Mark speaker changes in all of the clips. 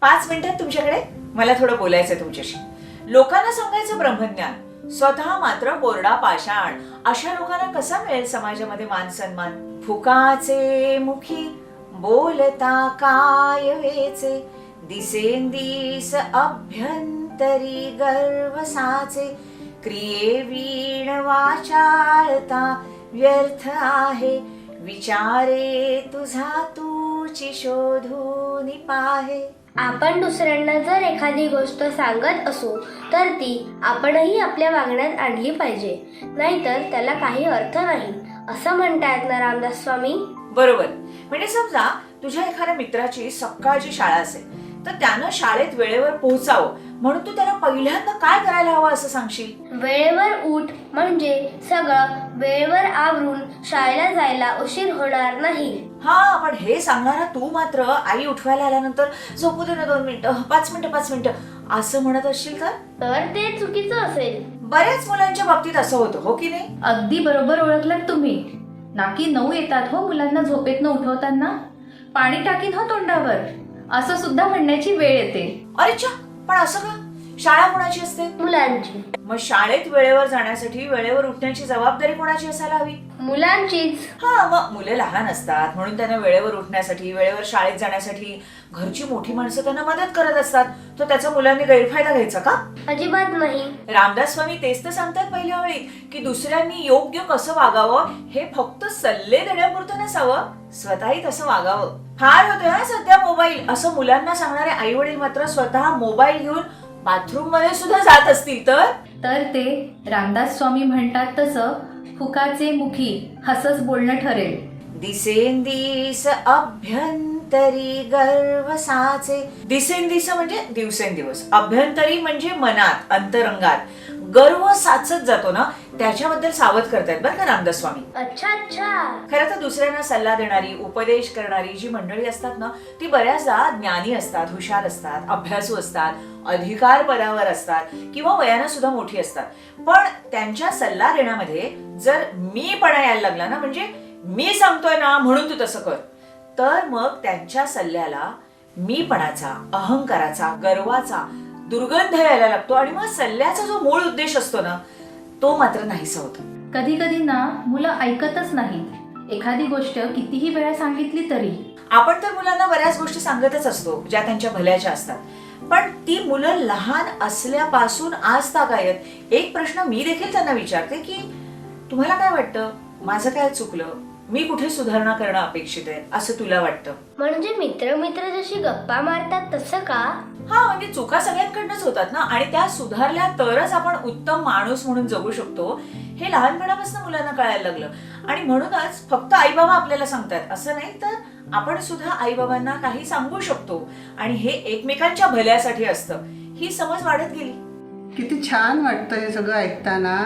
Speaker 1: 5 मिनिटात तुमच्याकडे मला थोडं बोलायचंय तुमच्याशी. लोकांना सांगायचं ब्रह्मज्ञान, स्वतः मात्र कोरडा पाषाण. अशा लोकांना कसा मिळेल समाजामध्ये मान सन्मान? फुकाचे मुखी बोलता काय वेचे, दिसेंदिस अभ्यंतरी गर्व साचे, क्रिये वीण वाचाळता व्यर्थ आहे, विचारे तुझा तूची शोधून पाहे.
Speaker 2: आपण दुसऱ्यांना जर एखादी गोष्ट सांगत असू तर ती आपणही आपल्या वागण्यात आणली पाहिजे, नाहीतर त्याला काही अर्थ नाही, असं म्हणतायत ना रामदास स्वामी.
Speaker 1: बरोबर. म्हणजे समजा तुझ्या एखाद्या मित्राची सकाळची शाळा असेल, तर त्यानं शाळेत वेळेवर पोहोचावं म्हणून तू त्याला पहिल्यांदा काय करायला हवं असं सांगशील?
Speaker 2: वेळेवर उठ, म्हणजे सगळं वेळेवर आवरून शाळेला जायला उशीर होणार नाही.
Speaker 1: हा, पण हे सांगणारा तू मात्र आई उठवायला आल्यानंतर झोपू दे ना 2 मिनिटं, 5 मिनिटं असं म्हणत असशील
Speaker 2: तर ते चुकीचं असेल.
Speaker 1: बऱ्याच मुलांच्या बाबतीत असं होतं, हो की नाही?
Speaker 3: अगदी बरोबर ओळखलात तुम्ही. नाकी 9 येतात हो मुलांना झोपेतनं उठवताना. पाणी टाकीन हो तोंडावर, असं सुद्धा म्हणण्याची वेळ येते.
Speaker 1: अरेच्या, पण असं का? शाळा कोणाची असते?
Speaker 2: मुलांची.
Speaker 1: मग शाळेत वेळेवर जाण्यासाठी वेळेवर उठण्याची जबाबदारी कोणाची असायला हवी?
Speaker 2: मुलांचीच.
Speaker 1: हा, मग मुलं लहान असतात म्हणून त्यांना वेळेवर उठण्यासाठी, वेळेवर शाळेत जाण्यासाठी घरची मोठी माणसं त्यांना मदत करत असतात, तर त्याचा मुलांनी गैरफायदा घ्यायचा का?
Speaker 2: अजिबात नाही.
Speaker 1: रामदास स्वामी तेच तर सांगतात पहिल्या वेळी की दुसऱ्यांनी योग्य कसं वागावं हे फक्त सल्ले देण्यापुरतं नसावं, स्वतःही तसं वागावं. फार होतोय हा सध्या मोबाईल, असं मुलांना सांगणारे आई वडील मात्र स्वतः मोबाईल घेऊन बाथरूम मध्ये सुद्धा जात असतील तर
Speaker 3: ते रामदास स्वामी म्हणतात तसं फुकाचे मुखी हसच बोलणं ठरेल.
Speaker 1: दिसेंदिस अभ्यंतरी गर्व साचे. दिसेंदिस म्हणजे दिवसेंदिवस, अभ्यंतरी म्हणजे मनात, अंतरंगात गर्व साचत जातो ना, त्याच्याबद्दल सावध करतायत बरं का रामदास स्वामी.
Speaker 2: अच्छा.
Speaker 1: खरं तर दुसऱ्यांना सल्ला देणारी, उपदेश करणारी जी मंडळी असतात ना, ती बऱ्याचदा ज्ञानी असतात, हुशार असतात, अभ्यासू असतात, अधिकार पदावर असतात किंवा वयानं सुद्धा मोठी असतात. पण त्यांच्या सल्ला देण्यामध्ये जर मीपणा यायला लागला ना, म्हणजे मी सांगतोय ना म्हणून तू तसं कर, तर मग त्यांच्या सल्ल्याला मीपणाचा, अहंकाराचा, गर्वाचा दुर्गंध यायला लागतो आणि मग सल्ल्याचा जो मूळ उद्देश असतो ना, तो मात्र नाहीसा होतो.
Speaker 3: कधी कधी ना मुलं ऐकतच नाहीत. एखादी गोष्ट कितीही वेळा सांगितली तरी.
Speaker 1: आपण तर मुलांना बऱ्याच गोष्टी सांगतच असतो ज्या त्यांच्या भल्याच्या असतात, पण ती मुलं लहान असल्यापासून आज तागायत एक प्रश्न मी देखील त्यांना विचारते की तुम्हाला काय वाटतं, माझं काय चुकलं, मी कुठे सुधारणा करणं अपेक्षित आहे असं तुला वाटतं?
Speaker 2: म्हणजे मित्र जशी गप्पा मारतात तसं का?
Speaker 1: हा, म्हणजे चुका सगळ्यांकडनंच होतात ना, आणि त्या सुधारल्या तरच आपण उत्तम माणूस म्हणून जगू शकतो, हे लहानपणापासून मुलांना कळायला लागलं. आणि म्हणूनच फक्त आई बाबा आपल्याला सांगतात असं नाही, तर आपण सुद्धा आई बाबांना काही सांगू शकतो आणि हे एकमेकांच्या भल्यासाठी असतं. ही समज वाढत गेली.
Speaker 4: किती छान वाटतं हे सगळं ऐकताना.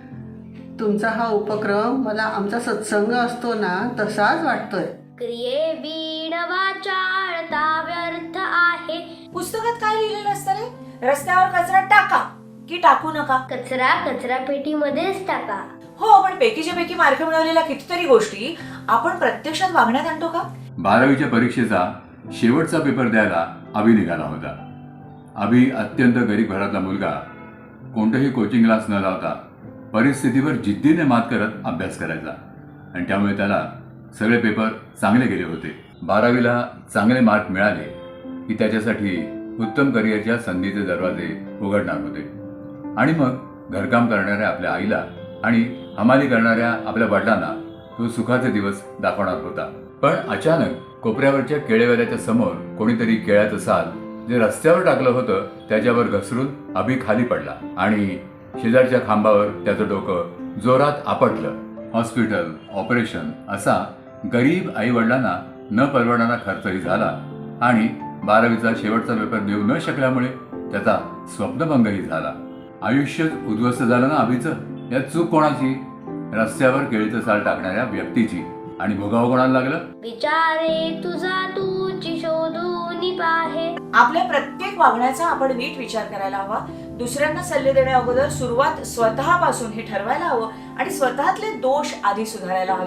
Speaker 4: तुमचा हा उपक्रम मला आमचा सत्संग असतो ना तसाच वाटतोय.
Speaker 2: क्रिये वीण वाचाळता व्यर्थ आहे.
Speaker 1: पुस्तकात काय लिहिलेलं असतं रे? रस्त्यावर कचरा टाका की टाकू नका?
Speaker 2: कचरा पेटीमध्येच टाका.
Speaker 1: हो, पण पैकीच्या पैकी मार्क मिळवलेल्या कितीतरी गोष्टी आपण प्रत्यक्षात वागण्यात आणतो का?
Speaker 5: 12वीच्या परीक्षेचा शेवटचा पेपर द्यायला अभि निघाला होता. अभि अत्यंत गरीब घरातला मुलगा, कोणतंही कोचिंग क्लास न लावता परिस्थितीवर जिद्दीने मात करत अभ्यास करायचा आणि त्यामुळे त्याला सगळे पेपर चांगले गेले होते. 12वीला चांगले मार्क मिळाले की त्याच्यासाठी उत्तम करिअरच्या संधीचे दरवाजे उघडणार होते आणि मग घरकाम करणाऱ्या आपल्या आईला आणि हमाली करणाऱ्या आपल्या वडिलांना तो सुखाचे दिवस दाखवणार होता. पण अचानक कोपऱ्यावरच्या केळेवाल्याच्या समोर कोणीतरी केळ्याचं साल जे रस्त्यावर टाकलं होतं त्याच्यावर घसरून अभि खाली पडला आणि शेजारच्या खांबावर त्याचं डोकं जोरात आपटलं. हॉस्पिटल, ऑपरेशन असा गरीब आई वडिलांना न परवडणारा खर्चही झाला आणि 12वीचा शेवटचा पेपर देऊ न शकल्यामुळे त्याचा स्वप्नभंगही झाला. आयुष्यच उद्ध्वस्त झालं ना अभिचं. यात चूक कोणाची? रस्त्यावर केळीचं साल टाकणाऱ्या व्यक्तीची. आणि भोगावं कोणाला लागलं?
Speaker 2: विचारे तुझा तूची शोधून पाहे.
Speaker 1: आपल्या प्रत्येक वागण्याचा आपण नीट विचार करायला हवा. दुसऱ्यांना सल्ले देण्या अगोदर सुरुवात स्वतःपासून हे ठरवायला हवं आणि स्वतःतले दोष आधी सुधारायला हवेत.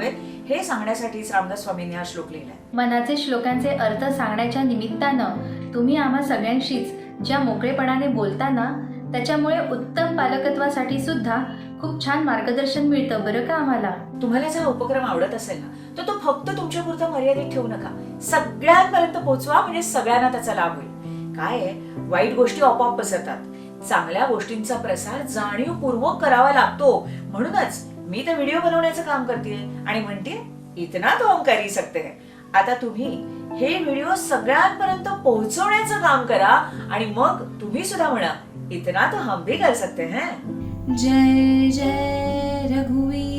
Speaker 1: हे सांगण्यासाठीच रामदास स्वामींनी हा श्लोक लिहिलाय.
Speaker 3: मनाचे श्लोकांचे अर्थ सांगण्याच्या निमित्तानं तुम्ही आम्हा सगळ्यांशीच ज्या मोकळेपणाने बोलताना त्याच्यामुळे उत्तम पालकत्वासाठी सुद्धा खूप छान मार्गदर्शन मिळतं बरं का आम्हाला.
Speaker 1: तुम्हाला जर हा उपक्रम आवडत असेल ना तर तो फक्त तुमच्या पुरता मर्यादित ठेवू नका, सगळ्यांपर्यंत पोहोचवा, म्हणजे सगळ्यांना त्याचा लाभ होईल. काय आहे, वाईट गोष्टी आपोआप पसरतात, चांगल्या गोष्टींचा प्रसार जाणीवपूर्वक करावा लागतो. म्हणूनच मी तर व्हिडिओ बनवण्याचं काम करते आणि म्हणते इतना तो हम कर ही सकते हैं. आता तुम्ही हे व्हिडिओ सगळ्यांपर्यंत पोहोचवण्याचं काम करा आणि मग तुम्ही सुद्धा म्हणा इतना तो हम भी कर सकते हैं.
Speaker 3: जय जय रघुवीर